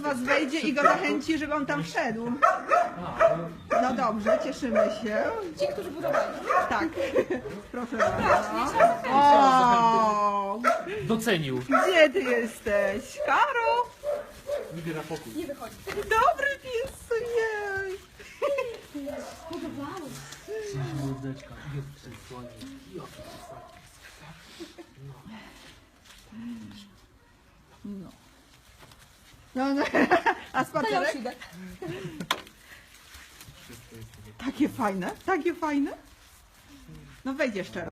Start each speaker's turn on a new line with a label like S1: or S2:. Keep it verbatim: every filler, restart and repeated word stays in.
S1: was wejdzie i go zachęci, żeby on tam wszedł. No dobrze, cieszymy się.
S2: Ci, którzy budowali.
S1: Tak, proszę bardzo. O,
S3: Docenił.
S1: gdzie ty jesteś? Karo?
S3: Wybiera pokój.
S2: Nie wychodzi.
S1: Dobry pies, jej.
S2: Podobało.
S3: Mordeczka. Jest przysłonię. Jaki
S1: No. No, no. A spacerek? Takie fajne, takie fajne. No wejdź jeszcze raz.